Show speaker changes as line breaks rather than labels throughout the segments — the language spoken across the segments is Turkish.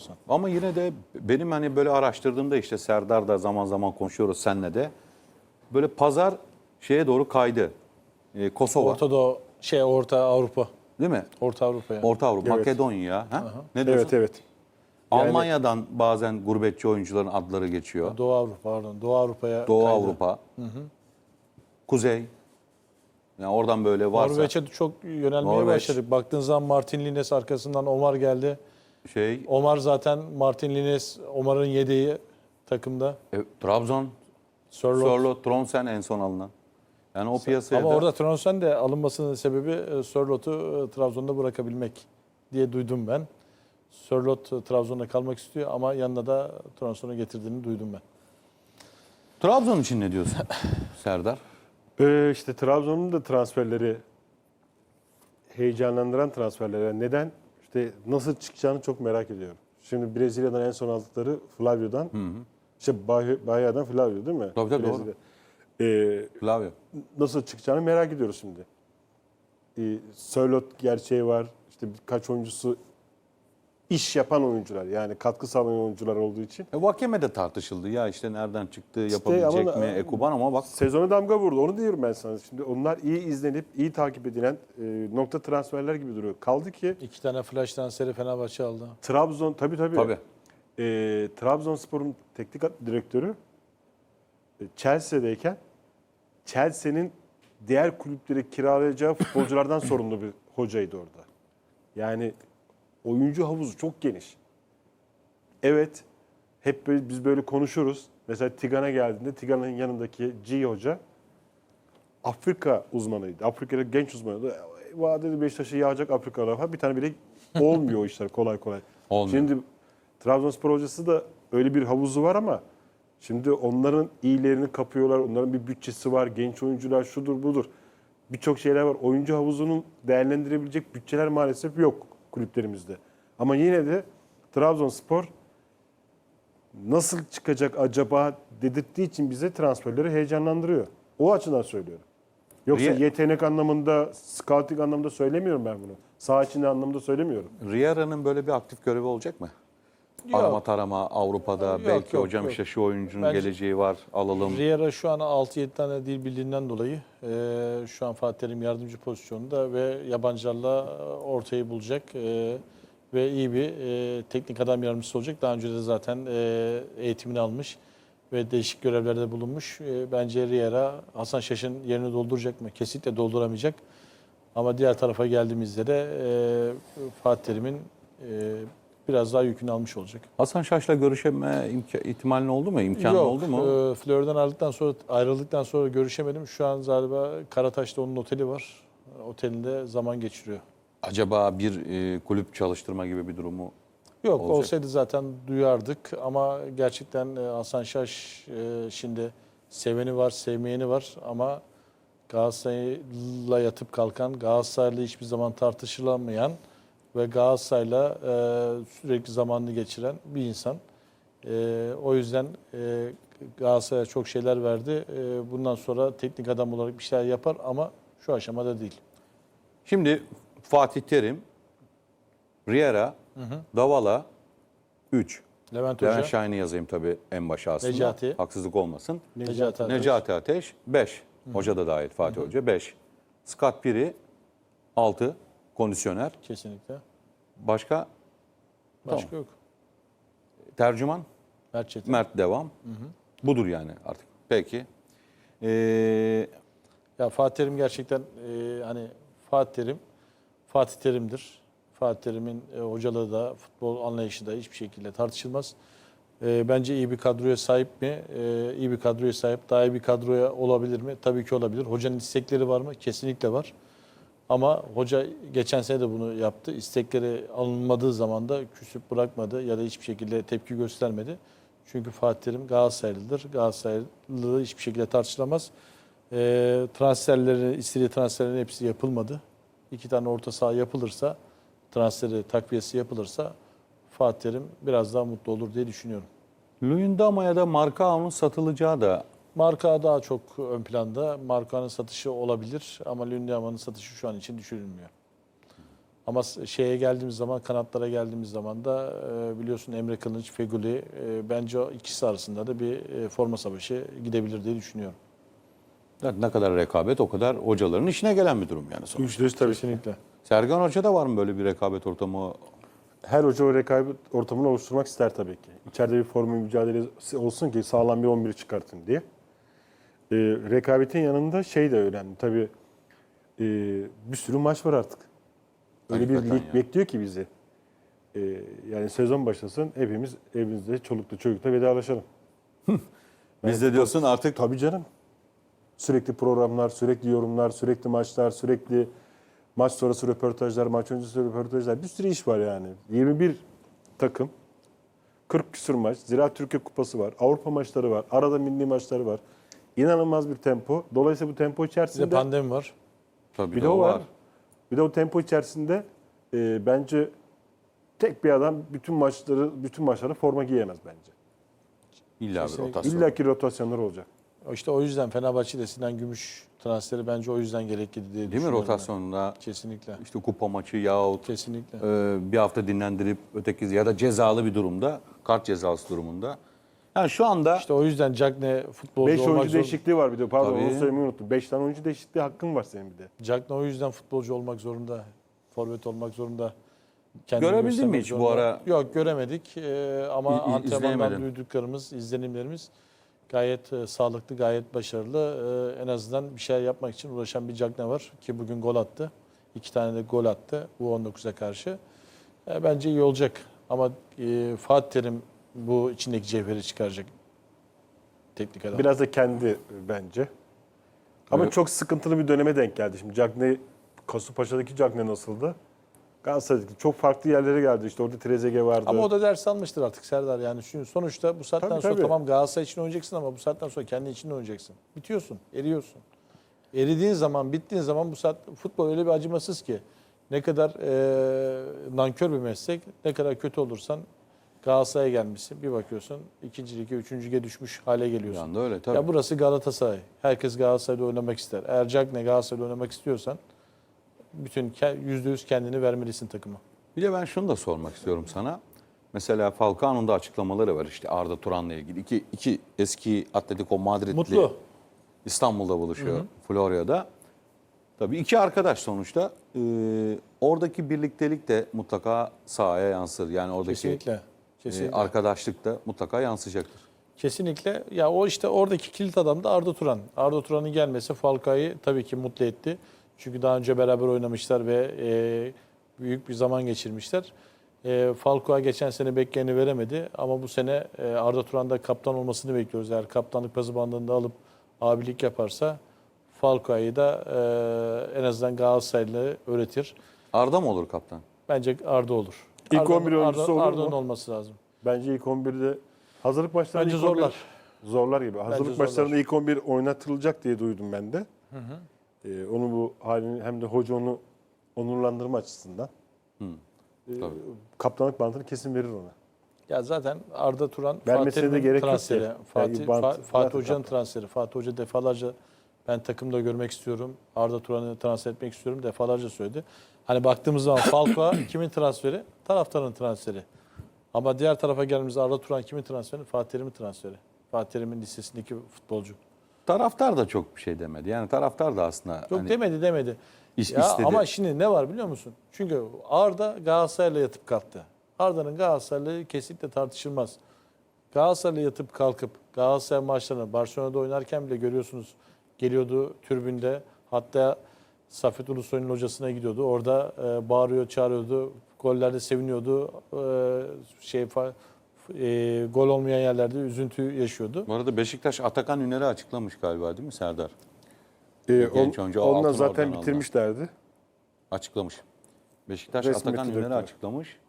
olsan.
Ama yine de benim hani böyle araştırdığımda işte Serdar da zaman zaman konuşuyoruz seninle de. Böyle pazar şeye doğru kaydı. Kosova.
Orta Avrupa.
Değil mi?
Orta Avrupa yani.
Orta Avrupa,
Evet.
Makedonya. Ha? Ne diyorsun?
Evet evet. Yani-
Almanya'dan bazen gurbetçi oyuncuların adları geçiyor.
Doğu Avrupa pardon. Doğu Avrupa'ya
Doğu
kaydı.
Avrupa. Kuzey. Yani oradan böyle varsa
Norveç'e çok yönelmeye
Norveç.
başladık. Baktığın zaman Martin Lines arkasından Omar geldi. Omar zaten Martin Lines, Omar'ın yedeği takımda.
Trabzon, Sörloth, Tronsen en son alınan. Yani o piyasaya
Ama
da
orada Tronsen de alınmasının sebebi Sörloth'u Trabzon'da bırakabilmek diye duydum ben. Sörloth Trabzon'da kalmak istiyor ama yanına da Tronson'u getirdiğini duydum ben.
Trabzon için ne diyorsun Serdar?
İşte Trabzon'un da transferleri heyecanlandıran transferler. Neden? İşte nasıl çıkacağını çok merak ediyorum. Şimdi Brezilya'dan en son aldıkları Flavio'dan. İşte Bahia'dan Flavio değil mi?
Tabii
Brezilya.
doğru. Flavio.
Nasıl çıkacağını merak ediyoruz şimdi. Sörloth gerçeği var. İşte birkaç oyuncusu iş yapan oyuncular. Yani katkı sağlayan oyuncular olduğu için.
Vakeme de tartışıldı ya işte nereden çıktı, yapabilecek mi Ekuban ama bak.
Sezona damga vurdu. Onu diyorum ben sana. Şimdi onlar iyi izlenip, iyi takip edilen nokta transferler gibi duruyor. Kaldı ki
2 tane flash transferi Fenerbahçe aldı.
Trabzon, tabii.
Tabii.
Trabzonspor'un teknik direktörü Chelsea'deyken Chelsea'nin diğer kulüpleri kiralayacağı futbolculardan sorumlu bir hocaydı orada. Yani oyuncu havuzu çok geniş. Evet, hep biz böyle konuşuruz. Mesela Tigan'a geldiğinde Tigan'ın yanındaki G hoca Afrika uzmanıydı. Afrika'da genç uzmanıydı. Vadeli Beşiktaş'a yağacak Afrikalar var. Bir tane bile olmuyor o işler kolay kolay.
Olmuyor.
Şimdi Trabzonspor hocası da öyle bir havuzu var ama şimdi onların iyilerini kapıyorlar. Onların bir bütçesi var. Genç oyuncular şudur budur. Birçok şeyler var. Oyuncu havuzunun değerlendirebilecek bütçeler maalesef yok kulüplerimizde. Ama yine de Trabzonspor nasıl çıkacak acaba dedirttiği için bize transferleri heyecanlandırıyor. O açıdan söylüyorum. Yoksa yetenek anlamında, scouting anlamında söylemiyorum ben bunu. Saha içinde anlamında söylemiyorum.
Riera'nın böyle bir aktif görevi olacak mı?
Yok.
Arama tarama Avrupa'da
Yok,
belki
yok,
hocam
yok.
işte şu oyuncunun
Bence-
geleceği var alalım.
Riera şu an 6-7 tane dil bildiğinden dolayı şu an Fatih Terim yardımcı pozisyonunda ve yabancılarla ortayı bulacak ve iyi bir teknik adam yardımcısı olacak. Daha önce de zaten eğitimini almış ve değişik görevlerde bulunmuş. Bence Riera Hasan Şaş'ın yerini dolduracak mı? Kesinlikle dolduramayacak. Ama diğer tarafa geldiğimizde de Fatih Terim'in biraz daha yükünü almış olacak.
Hasan Şaş'la görüşme ihtimalin oldu mu? İmkanı oldu mu?
Flör'den ayrıldıktan sonra görüşemedim. Şu an galiba Karataş'ta onun oteli var. Otelinde zaman geçiriyor.
Acaba bir kulüp çalıştırma gibi bir durumu
Yok
olacak?
olsaydı zaten duyardık ama gerçekten Hasan Şaş şimdi seveni var, sevmeyeni var ama Galatasaray'la yatıp kalkan, Galatasaray'la hiçbir zaman tartışılamayan ve Galatasaray'la sürekli zamanını geçiren bir insan. O yüzden Galatasaray'a çok şeyler verdi. Bundan sonra teknik adam olarak bir şeyler yapar ama şu aşamada değil.
Şimdi Fatih Terim, Riera, Davala 3.
Levent
Levent
Hoca,
Şahin'i yazayım tabii en başa aslında.
Necati.
Haksızlık olmasın.
Necati Ateş.
Necati Ateş 5. Hoca da dahil Fatih Hoca 5. Scott Piri 6. Kondisyoner.
Kesinlikle.
Başka?
Başka yok.
Tercüman?
Mert Çetin.
Mert devam. Budur yani artık. Peki.
Ya Fatih Terim gerçekten hani Fatih Terim'dir. Fatih Terim'in hocalığı da futbol anlayışı da hiçbir şekilde tartışılmaz. Bence iyi bir kadroya sahip mi? İyi bir kadroya sahip. Daha iyi bir kadroya olabilir mi? Tabii ki olabilir. Hocanın istekleri var mı? Kesinlikle var. Ama hoca geçen sene de bunu yaptı. İstekleri alınmadığı zaman da küsüp bırakmadı ya da hiçbir şekilde tepki göstermedi. Çünkü Fatih Terim Galatasaraylıdır. Galatasaraylılığı hiçbir şekilde tartışılamaz. İstediği transferlerin hepsi yapılmadı. 2 tane orta saha yapılırsa, takviyesi yapılırsa Fatih Terim biraz daha mutlu olur diye düşünüyorum.
Luyendama'ya da Marcao'nun satılacağı da
Marka daha çok ön planda. Marka'nın satışı olabilir ama Luyendama'nın satışı şu an için düşünülmüyor. Ama şeye geldiğimiz zaman, kanatlara geldiğimiz zaman da biliyorsun Emre Kılınç, Feguli, bence o ikisi arasında da bir forma savaşı gidebilir diye düşünüyorum.
Ne kadar rekabet o kadar hocaların işine gelen bir durum yani sonuçta.
%100 tabii.
Kesinlikle.
Sergen Hoca'da var mı böyle bir rekabet ortamı?
Her hoca o rekabet ortamını oluşturmak ister tabii ki. İçeride bir formu mücadelesi olsun ki sağlam bir 11'i çıkartın diye. Rekabetin yanında şey de önemli. Tabii bir sürü maç var artık. Öyle bir
Hakikaten
lig
ya.
bekliyor ki bizi. Yani sezon başlasın hepimiz evimizde çolukla çocukla vedalaşalım.
Biz de diyorsun artık
Tabii canım. Sürekli programlar, sürekli yorumlar, sürekli maçlar, sürekli maç sonrası röportajlar, maç öncesi röportajlar. Bir sürü iş var yani. 21 takım, 40 küsur maç, Ziraat Türkiye Kupası var, Avrupa maçları var, arada milli maçları var. İnanılmaz bir tempo. Dolayısıyla bu tempo
Bir de
içerisinde
pandemi var.
tabii
bir de o var. Bir de o tempo içerisinde bence tek bir adam bütün maçları forma giyemez bence.
İlla bir
Kesinlikle.
rotasyon.
İlla ki rotasyonlar olacak.
İşte o yüzden Fenerbahçe'de Sinan Gümüş transferi bence o yüzden gerekli diye
Değil mi
düşünüyorum.
rotasyonda
Ben. Kesinlikle.
işte kupa maçı yahut
Kesinlikle.
bir hafta dinlendirip öteki ya da cezalı bir durumda, kart cezası durumunda. Yani şu anda
İşte o yüzden Cagne futbolcu
5
olmak
oyuncu
zorunda.
değişikliği var bir de. Pardon
Tabii.
onu söylemeyi unuttum. 5 tane oyuncu değişikliği hakkın var senin bir de.
Cagne o yüzden futbolcu olmak zorunda. Forvet olmak zorunda. Kendini
Görebildin
göstermek
mi hiç bu
zorunda.
ara?
Yok göremedik. Ama antrenmandan
izleyemedim.
duyduklarımız, izlenimlerimiz gayet sağlıklı, gayet başarılı. En azından bir şeyler yapmak için uğraşan bir Cagne var ki bugün gol attı. 2 tane de gol attı U19'a karşı. Bence iyi olacak. Ama Fatih Terim bu içindeki cevheri çıkaracak. Teknik adam.
Biraz da kendi bence. Ama
Evet.
çok sıkıntılı bir döneme denk geldi. Şimdi Cagney, Kasımpaşa'daki Cagney nasıldı? Galatasaray'daki çok farklı yerlere geldi. İşte orada Trezeguet vardı.
Ama o da ders almıştır artık Serdar. Yani sonuçta bu saatten
Tabii,
sonra
tabii.
tamam Galatasaray için oynayacaksın ama bu saatten sonra kendi için de oynayacaksın. Bitiyorsun, eriyorsun. Eridiğin zaman, bittiğin zaman bu saat futbol öyle bir acımasız ki ne kadar nankör bir meslek, ne kadar kötü olursan Galatasaray'a gelmişsin. Bir bakıyorsun 2. lige, 3. lige düşmüş hale
bir
geliyorsun.
anda öyle tabii.
Ya burası Galatasaray. Herkes Galatasaray'da oynamak ister. Eğer Cagne Galatasaray'da oynamak istiyorsan bütün %100 kendini vermelisin takıma.
Bir de ben şunu da sormak istiyorum sana. Mesela Falcao'nun da açıklamaları var işte Arda Turan'la ilgili. İki eski Atletico Madridli
Mutlu.
İstanbul'da buluşuyor, Florya'da. Tabii iki arkadaş sonuçta. Oradaki birliktelik de mutlaka sahaya yansır. Yani oradaki
Kesinlikle. Kesinlikle.
arkadaşlık da mutlaka yansıyacaktır.
Kesinlikle. Ya o işte oradaki kilit adam da Arda Turan. Arda Turan'ın gelmesi Falcao'yu tabii ki mutlu etti. Çünkü daha önce beraber oynamışlar ve büyük bir zaman geçirmişler. Falcao geçen sene bekleneni veremedi ama bu sene Arda Turan'da kaptan olmasını bekliyoruz. Eğer kaptanlık pası bandında alıp abilik yaparsa Falcao'yu da en azından Galatasaraylı öğretir.
Arda mı olur kaptan?
Bence Arda olur.
İlk 11 oyuncusu olur mu?
Arda'nın olması lazım.
Bence ilk 11'de hazırlık maçlarında
Bence
ilk 11
zorlar.
zorlar gibi. Hazırlık
zorlar.
maçlarında ilk 11 oynatılacak diye duydum ben de. Onu bu halini hem de hoca onu onurlandırma açısından.
Tabii.
Kaptanlık bantını kesin verir ona.
Ya zaten Arda Turan
Vermesine de
Fatih'in
gerek yok
transferi.
ki.
Fatih,
Yani bant
Fatih
zaten
Hoca'nın
kaptan.
transferi. Fatih Hoca defalarca ben takımda görmek istiyorum. Arda Turan'ı transfer etmek istiyorum defalarca söyledi. Hani baktığımız zaman Falcao kimin transferi? Taraftarın transferi. Ama diğer tarafa geldiğimizde Arda Turan kimin transferi? Fatih Terim'in transferi. Fatih Terim'in listesindeki futbolcu.
Taraftar da çok bir şey demedi. Yani taraftar da aslında
Yok
hani
demedi. Ya
istedi.
ama şimdi ne var biliyor musun? Çünkü Arda Galatasaray'la yatıp kalktı. Arda'nın Galatasaray'la kesinlikle tartışılmaz. Galatasaray'la yatıp kalkıp Galatasaray maçlarını Barcelona'da oynarken bile görüyorsunuz geliyordu tribünde. Hatta Safet Ulusoy'un hocasına gidiyordu. Orada bağırıyor, çağırıyordu. Gollerde seviniyordu. Gol olmayan yerlerde üzüntü yaşıyordu.
Bu arada Beşiktaş Atakan Üner'i açıklamış galiba değil mi Serdar?
Genç
Genç oyuncu,
onunla
altın
zaten
oradan
bitirmişlerdi.
Açıklamış. Beşiktaş
Resmi
Atakan
direktör.
Üner'i açıklamış.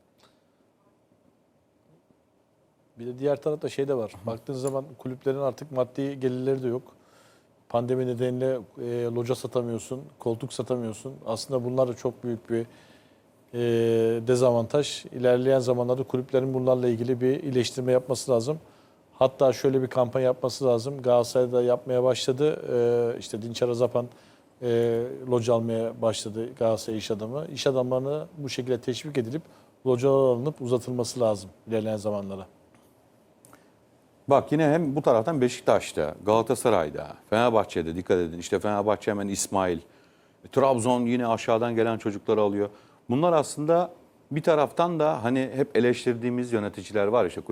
Bir de diğer tarafta şey de var. Baktığınız zaman kulüplerin artık maddi gelirleri de yok. Pandemi nedeniyle loca satamıyorsun, koltuk satamıyorsun. Aslında bunlar da çok büyük bir dezavantaj. İlerleyen zamanlarda kulüplerin bunlarla ilgili bir iyileştirme yapması lazım. Hatta şöyle bir kampanya yapması lazım. Galatasaray'da yapmaya başladı. İşte Dinçer Azapan loca almaya başladı Galatasaray iş adamı. İş adamlarını bu şekilde teşvik edilip localar alınıp uzatılması lazım ilerleyen zamanlara.
Bak yine hem bu taraftan Beşiktaş'ta, Galatasaray'da, Fenerbahçe'de dikkat edin. İşte Fenerbahçe hemen İsmail, Trabzon yine aşağıdan gelen çocukları alıyor. Bunlar aslında bir taraftan da hani hep eleştirdiğimiz yöneticiler var işte